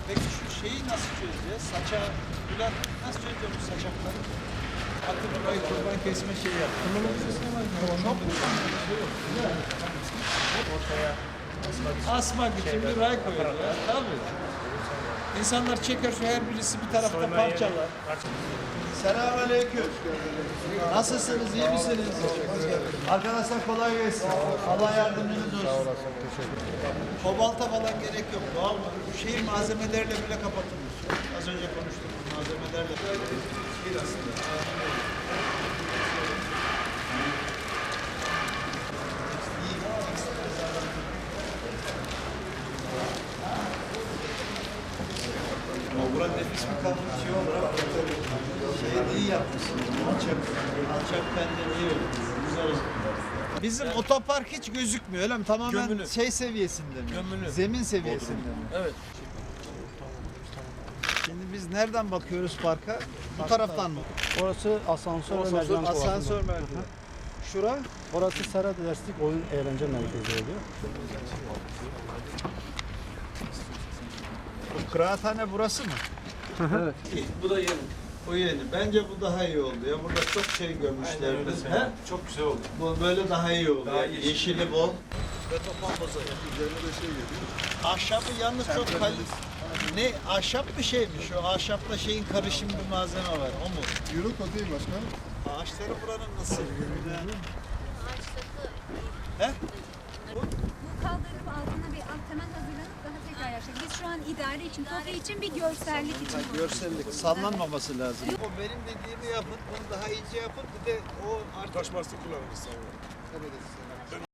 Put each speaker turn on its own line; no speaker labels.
Peki şu şeyi nasıl çözeceğiz? Saça, Bülent nasıl çözeceğiz bu saçakları? Atı burayı kurban kesme şeyi yaptı. Çok mu?
Ortaya
Asmak için bir ray koyuyorlar. Tabii. İnsanlar çeker şu her birisi bir tarafta parçalar. Selamünaleyküm. Nasılsınız? İyi misiniz? Arkadaşlar kolay gelsin. Allah yardımcınız olsun. Sağ olasın. Teşekkür ederim. Kobalta falan gerek yok. Doğal mı? Bu şehir malzemelerle bile kapatılmış. Az önce konuştuk. Malzemelerle. Bir aslında. Burak nefis bir kahve şey olur ama şeyi iyi yapmışsın. Alçak benden iyi oldu. Güzel oldu. Bizim otopark hiç gözükmüyor öyle mi? Tamamen
Gömülü.
şey seviyesinde mi?
Gömülü.
Zemin seviyesinde mi?
Evet.
Şimdi biz nereden bakıyoruz parka? Bu taraftan mı?
Orası asansör ve merdiven
Asansör merdiven. Şura?
Orası Serhat Derslik Oyun Eğlence Merkezi oluyor.
Bu kıraathane burası mı?
Evet.
Bu da yeni. O yeni. Bence bu daha iyi oldu ya. Burada çok şey görmüşlerdi. He?
Çok güzel oldu.
Bu böyle daha iyi oldu.
Daha
Yani.
yeşil.
Yeşili bol. Beton bozayı. Üzerine de şey geliyor. Ahşabı yalnız çok kaliteli. Ne? Ahşap bir şey mi? Şu ahşapla şeyin karışım bir malzeme var. O mu?
Yürük o değil başkanım.
Ağaçları buranın nasıl?
Ağaçları
He?
bu kaldırım altına bir alt temel hazırlanıp daha tekrar yapacak. Biz şu an idare için, TOKİ için bir görsellik için.
Görsellik. Sallanmaması lazım. O benim dediğimi yapın. Bunu daha iyice yapın. Bir de o artık...
Taş bastı kullanırız sonra. Evet.